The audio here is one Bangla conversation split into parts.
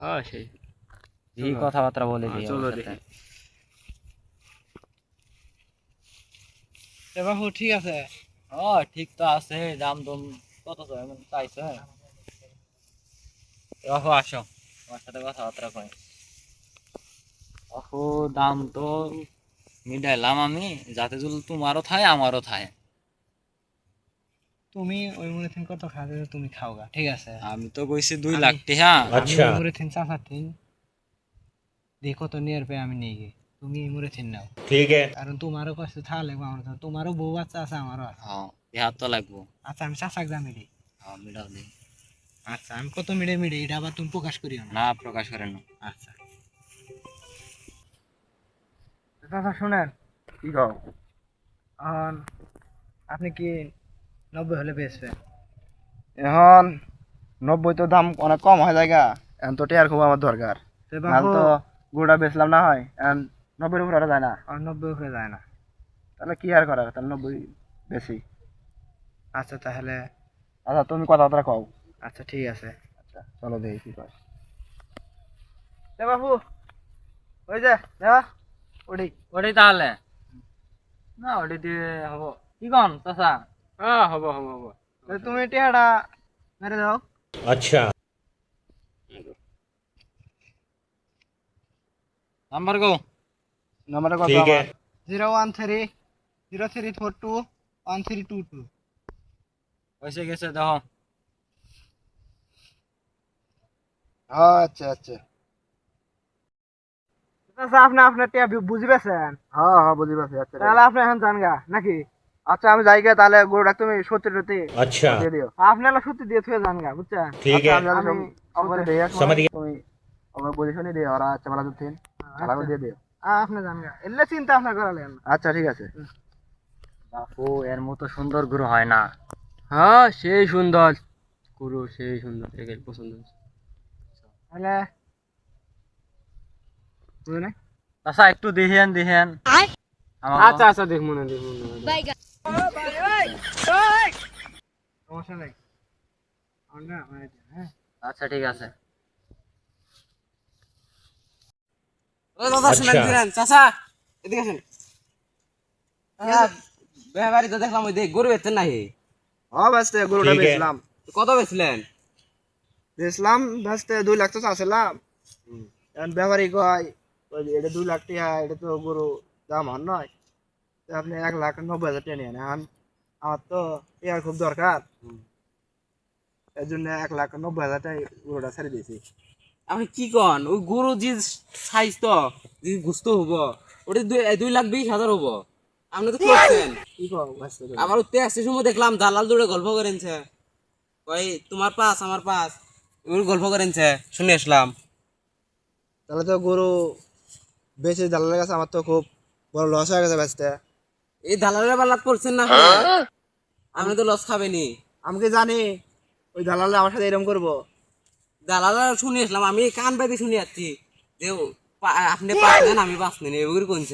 হ্যাঁ সেই এই কথাবার্তা বলে দিই চলো আমার সাথে। দেখি। বাবু ঠিক আছে। ও ঠিক তো আছে, দাম দম কত চাইছে? বাবু আসো, তোমার সাথে কথাবার্তা কই। বাবু দাম তো মিটাইলাম আমি, যাতে যদি তোমারও থায় আমারও থায়। তুমি ওই মুড়ি থিন কত খাবে তুমি খাও গা, ঠিক আছে। আমি তো কইছি 2 লাখ আমি- টাকা। আমি ওই মুড়ি থিন চাচা থিন দেখো তো নিয়ে পে আমি নিয়ে গিয়ে তুমি এই মুড়ি থিন নাও, ठीक है। কারণ তোমারও কষ্ট থাকা লাগবে, আমার তো তোমারও বউ বাচ্চা আছে, আমারও আছে। হ্যাঁ ইহার তো লাগবো। আচ্ছা আমি চাচাক দামি দিই। হ্যাঁ মিটাও দিই। আচ্ছা আমি কত মিড়ে মিড়ে এটা আবার তুমি প্রকাশ করিও না। না প্রকাশ করেন না। আচ্ছা চাচা শোনেন, কি কও? এখন আপনি কি 90 হলে বেচবেন? এখন 90 তো দাম অনেক কম হয় জায়গা, এখন তো টিয়ার খুব আমার দরকার। তো নাহলে বাবু তো গরুটা বেচলাম না হয়, এখন 90 উপরে যায় না। আর 90 হয়ে যায় না। তাহলে কি আর করার, তাহলে 90 বেশি। আচ্ছা তাহলে আচ্ছা তুমি কথাবার্তা কও। আচ্ছা ঠিক আছে। আচ্ছা চলো দেখি কি কয়। বাবু ওই যে দেওয়া ওডি ওটাই তাহলে না, ওটাই দিয়ে হবো। কি কন চাচা? হ্যাঁ হবো হবো হবো। তুমি টিয়াটা মেরে দাও। अच्छा। নাম্বার গো। নাম্বারটা কত ठीक है। আমার? 01303421322। হয়েছে গেছে দেখো। হ্যাঁ আচ্ছা আচ্ছা। আচ্ছা আপনি আপনার টিয়া বুঝি পেয়েছেন, হ্যাঁ হ্যাঁ বুঝি পারছি। আচ্ছা তাহলে আপনি এখন জান গা নাকি? আচ্ছা আমি যাই গে, তাহলে গরুটা তুমি সত্যি সত্যি अच्छा। দিয়ে দিও। আপনি এলা সত্যি দিয়ে থুয়ে জান গা, বুঝছেন? ठीक আচ্ছা, है। আমি যাতে আমি অপরে দিয়ে আসবো, समझ गया। তুমি আমার পজিশনে দিও, আর আচ্ছা ভালো দিন তাহলে দিয়ে দিও। আপনি জান গা, এলে চিন্তা আপনার করা লাগেন না। আচ্ছা ঠিক আছে। বাপু এর মতো সুন্দর গরু হয় না। হ্যাঁ সেই সুন্দর গরু, সেই সুন্দর, একে পছন্দ হয়েছে। তাহলে বুঝে নাই? চাচা একটু দেখেন দেখেন। আচ্ছা আচ্ছা দেখ মনে দেখ মনে। সমস্যা নাই। আমরা হ্যাঁ আচ্ছা ঠিক আছে। अच्छा। চাচা এদিকে আসেন। ব্যাপারী তো দেখলাম ওই গরু বেচছেন নাকি? হ্যাঁ বাঁচতে গরুটা ঠিক আছে। বেচলাম। কত বেচলেন? বেচলাম বাঁচতে 2 লাখ তো চাচ্ছিলাম। এখন ব্যাপারী কয় ওই যে এটা 2 লাখ টাকা, এটা তো গরু দাম হন নয়, তো আপনি 1,90,000 টাকা নিয়ে নেন। আমার তো টাকার খুব দরকার, এর জন্য 1,90,000 টাকা গরুটা ছেড়ে দিয়েছি। আপনি কি কন? ওই গরু যে সাইজ তো যে গুস্ত হবো ওটা 2,20,000 হবো। আপনি তো করছেন। কি কও বাঁচতে? আমার উঠতে আসছে সময় দেখলাম দালাল দৌড়ে গল্প করেনছে, ওই তোমার পাস আমার পাস এগুলো গল্প করেনছে, শুনে আসলাম। তাহলে তো গরু বেশি দালালের কাছে আমার তো খুব বড় লস হয়ে গেছে বাঁচতে। এই দালালের বালাত পড়ছেন না? আপনি তো লস খাবেনি। আমি কি জানি ওই দালালে আমার সাথে এরকম করবো? দালাল শুনে আসলাম, আমি কান পাইতে শুনে যাচ্ছি যে আপনি পাস নেন আমি পাস নেন এগুলো কোনছে।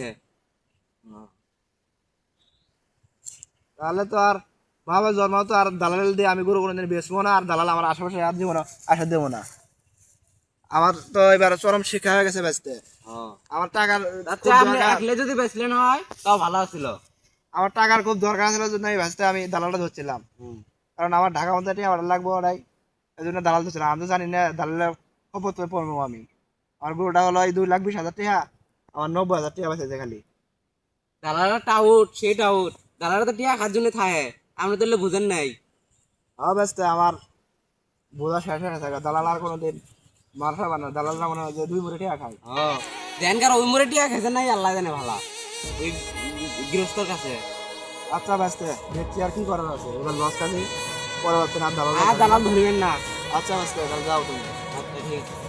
তাহলে তো আর ভাবে জন্ম তো আর দালাল দিয়ে আমি গরু কোনোদিন বেচবো না, আর দালাল আমার আশেপাশে আর দিব না, আসা দেবো না। আমার তো এবার চরম শিক্ষা হয়ে গেছে বেচতে। আমার টাকার আচ্ছা খুব আপনি দরকার। একলে যদি বেচলেন হয় তাও ভালো ছিল। আমার টাকার খুব দরকার ছিল জন্য আমি বেচতে আমি দালালটা ধরছিলাম, কারণ আমার ঢাকা মধ্যে টিয়া ভাড়া লাগবো ওরাই, এই জন্য দালাল ধরছিলাম। আমি তো জানি না দালালের খবর তো পড়বো আমি। আমার গরুটা হলো এই 2,20,000 টাকা, আমার 90,000 টাকা বেঁচেছে খালি। দালালটা টাউট সেই টাউট, দালালটা তো টিয়া খার জন্য থাকে, আপনি তো বুঝেন নাই। আমার বেচতে আমার বোঝা শেষ হয়ে গেছে। দালাল আর কোনোদিন মার খাবে না, দালাল না মনে হয় যে 2 মুড়ি টাকা খায়। দেনকার ওই মোড়ে টিয়া খেয়েছেন নাই আল্লাহ জানে ভালো, ওই গৃহস্থর কাছে। আচ্ছা বাঁচতে দেখছি আর কি করার আছে, এবার লস খালি পরে হচ্ছে না, দালাল। আর দালাল ধরবেন না। আচ্ছা বাঁচতে যাও তুমি। আচ্ছা ঠিক আছে।